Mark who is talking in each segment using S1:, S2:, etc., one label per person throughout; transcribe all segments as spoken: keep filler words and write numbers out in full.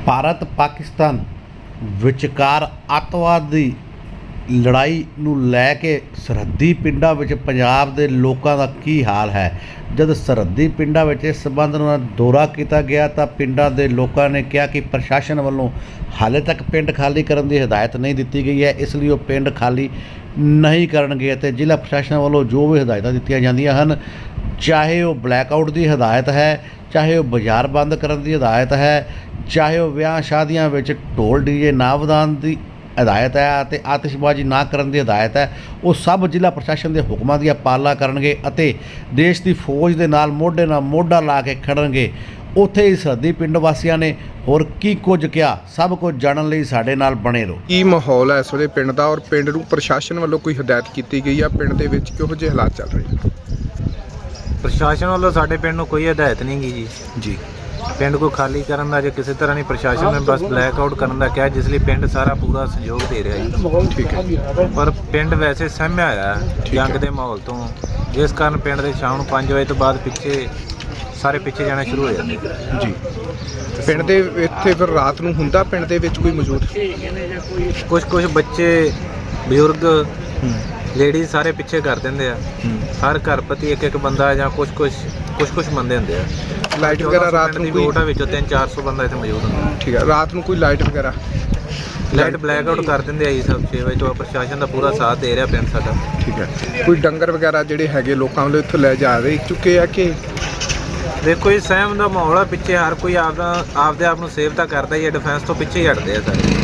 S1: ਭਾਰਤ ਪਾਕਿਸਤਾਨ ਵਿਚਕਾਰ ਅੱਤਵਾਦ ਦੀ ਲੜਾਈ ਨੂੰ ਲੈ ਕੇ ਸਰਹੱਦੀ ਪਿੰਡਾਂ ਵਿੱਚ ਪੰਜਾਬ ਦੇ ਲੋਕਾਂ ਦਾ ਕੀ ਹਾਲ ਹੈ। ਜਦ ਸਰਹੱਦੀ ਪਿੰਡਾਂ ਵਿੱਚ ਇਸ ਸੰਬੰਧ ਨਾਲ ਦੌਰਾ ਕੀਤਾ ਗਿਆ ਤਾਂ ਪਿੰਡਾਂ ਦੇ ਲੋਕਾਂ ਨੇ ਕਿਹਾ ਕਿ ਪ੍ਰਸ਼ਾਸਨ ਵੱਲੋਂ ਹਾਲੇ ਤੱਕ ਪਿੰਡ ਖਾਲੀ ਕਰਨ ਦੀ ਹਦਾਇਤ ਨਹੀਂ ਦਿੱਤੀ ਗਈ ਹੈ, ਇਸ ਲਈ ਉਹ ਪਿੰਡ ਖਾਲੀ ਨਹੀਂ ਕਰਨਗੇ ਅਤੇ ਜ਼ਿਲ੍ਹਾ ਪ੍ਰਸ਼ਾਸਨ ਵੱਲੋਂ ਜੋ ਵੀ ਹਦਾਇਤਾਂ ਦਿੱਤੀਆਂ ਜਾਂਦੀਆਂ ਹਨ, ਚਾਹੇ ਉਹ ਬਲੈਕਆਊਟ ਦੀ ਹਦਾਇਤ ਹੈ, ਚਾਹੇ ਉਹ ਬਾਜ਼ਾਰ ਬੰਦ ਕਰਨ ਦੀ ਹਦਾਇਤ ਹੈ, ਚਾਹੇ ਉਹ ਵਿਆਹ ਸ਼ਾਦੀਆਂ ਵਿੱਚ ਢੋਲ ਡੀਜੇ ਨਾ ਵਧਾਉਣ ਦੀ ਹਦਾਇਤ ਹੈ ਅਤੇ ਆਤਿਸ਼ਬਾਜ਼ੀ ਨਾ ਕਰਨ ਦੀ ਹਦਾਇਤ ਹੈ, ਉਹ ਸਭ ਜ਼ਿਲ੍ਹਾ ਪ੍ਰਸ਼ਾਸਨ ਦੇ ਹੁਕਮਾਂ ਦੀ ਪਾਲਣਾ ਕਰਨਗੇ ਅਤੇ ਦੇਸ਼ ਦੀ ਫੌਜ ਦੇ ਨਾਲ ਮੋਢੇ ਨਾਲ ਮੋਢਾ ਲਾ ਕੇ ਖੜਨਗੇ। ਉੱਥੇ ਹੀ ਸਰਹੱਦੀ ਪਿੰਡ ਵਾਸੀਆਂ ਨੇ ਹੋਰ ਕੀ ਕੁਝ ਕਿਹਾ, ਸਭ ਕੁਝ ਜਾਣਨ ਲਈ ਸਾਡੇ ਨਾਲ ਬਣੇ ਰਹੋ।
S2: ਕੀ ਮਾਹੌਲ ਹੈ ਇਸ ਵੇਲੇ ਪਿੰਡ ਦਾ, ਔਰ ਪਿੰਡ ਨੂੰ ਪ੍ਰਸ਼ਾਸਨ ਵੱਲੋਂ ਕੋਈ ਹਦਾਇਤ ਕੀਤੀ ਗਈ ਆ? ਪਿੰਡ ਦੇ ਵਿੱਚ ਕਿਹੋ ਜਿਹੇ ਹਾਲਾਤ ਚੱਲ ਰਹੇ ਨੇ?
S3: ਪ੍ਰਸ਼ਾਸਨ ਵੱਲੋਂ ਸਾਡੇ ਪਿੰਡ ਨੂੰ ਕੋਈ ਹਦਾਇਤ ਨਹੀਂ ਗਈ ਜੀ
S2: ਜੀ
S3: ਪਿੰਡ को खाली ਕਰਨ ਦਾ ਜਾਂ ਕਿਸੇ ਤਰ੍ਹਾਂ ਨਹੀਂ, ਪ੍ਰਸ਼ਾਸਨ ਨੇ ਬਸ ਬਲੈਕ ਆਊਟ ਕਰਨ ਦਾ ਕਿਹਾ, ਜਿਸ ਲਈ ਪਿੰਡ ਸਾਰਾ ਪੂਰਾ ਸਹਿਯੋਗ ਦੇ ਰਿਹਾ ਜੀ।
S2: ਠੀਕ ਹੈ,
S3: ਪਰ ਪਿੰਡ ਵੈਸੇ ਸਹਿਮਿਆ ਹੋਇਆ ਹੈ ਜੰਗ ਦੇ ਮਾਹੌਲ ਤੋਂ, ਜਿਸ ਕਾਰਨ ਪਿੰਡ ਦੇ ਸ਼ਾਮ ਨੂੰ ਪੰਜ ਵਜੇ ਤੋਂ ਬਾਅਦ ਪਿੱਛੇ ਸਾਰੇ ਪਿੱਛੇ ਜਾਣਾ ਸ਼ੁਰੂ ਹੋ ਜਾਂਦੇ
S2: ਜੀ। ਪਿੰਡ ਦੇ ਇੱਥੇ ਫਿਰ ਰਾਤ ਨੂੰ ਹੁੰਦਾ ਪਿੰਡ ਦੇ ਵਿੱਚ ਕੋਈ ਮੌਜੂਦ?
S3: ਕੁਝ ਕੁਝ ਬੱਚੇ ਬਜ਼ੁਰਗ ਲੇਡੀਜ਼ ਸਾਰੇ ਪਿੱਛੇ ਕਰ ਦਿੰਦੇ ਆ। ਹਰ ਘਰ ਪ੍ਰਤੀ ਇੱਕ ਇੱਕ ਬੰਦਾ ਜਾਂ ਕੁਝ ਕੁਝ ਕੁਝ ਕੁਝ ਬੰਦੇ ਹੁੰਦੇ ਆ।
S2: ਲਾਈਟ ਵਗੈਰਾ ਰਾਤ ਨੂੰ ਕੋਈ?
S3: ਵੋਟਾਂ ਵਿੱਚੋਂ ਤਿੰਨ ਚਾਰ ਸੌ ਬੰਦਾ ਇੱਥੇ ਮੌਜੂਦ ਹੁੰਦਾ।
S2: ਠੀਕ ਹੈ, ਰਾਤ ਨੂੰ ਕੋਈ ਲਾਈਟ ਵਗੈਰਾ?
S3: ਲਾਈਟ ਬਲੈਕ ਆਊਟ ਕਰ ਦਿੰਦੇ ਆ ਜੀ ਸਭ ਛੇ ਵਜੇ ਤੋਂ। ਪ੍ਰਸ਼ਾਸਨ ਦਾ ਪੂਰਾ ਸਾਥ ਦੇ ਰਿਹਾ ਪਿੰਡ ਸਾਡਾ।
S2: ਠੀਕ ਹੈ, ਕੋਈ ਡੰਗਰ ਵਗੈਰਾ ਜਿਹੜੇ ਹੈਗੇ ਲੋਕਾਂ ਵੱਲੋਂ ਇੱਥੋਂ ਲੈ ਜਾ ਰਹੇ ਚੁੱਕੇ ਆ ਕਿ?
S3: ਦੇਖੋ ਜੀ, ਸਹਿਮ ਦਾ ਮਾਹੌਲ ਆ ਪਿੱਛੇ, ਹਰ ਕੋਈ ਆਪਦਾ ਆਪਦੇ ਆਪ ਨੂੰ ਸੇਵ ਤਾਂ ਕਰਦਾ ਹੀ ਹੈ, ਡਿਫੈਂਸ ਤੋਂ ਪਿੱਛੇ ਹੀ ਹਟਦੇ ਆ ਸਾਰੇ।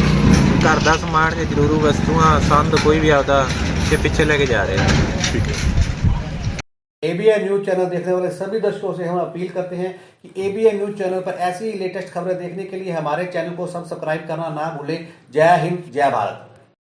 S3: ਘਰ ਦਾ ਸਮਾਨ ਜਾਂ ਜ਼ਰੂਰੀ ਵਸਤੂਆਂ ਸੰਦ ਕੋਈ ਵੀ ਆਪਦਾ के पीछे लेके जा रहे हैं।
S2: ठीक है।
S1: एबीएन न्यूज चैनल देखने वाले सभी दर्शकों से हम अपील करते हैं कि एबीएन न्यूज चैनल पर ऐसी लेटेस्ट खबरें देखने के लिए हमारे चैनल को सब्सक्राइब करना ना भूलें। जय हिंद, जय भारत।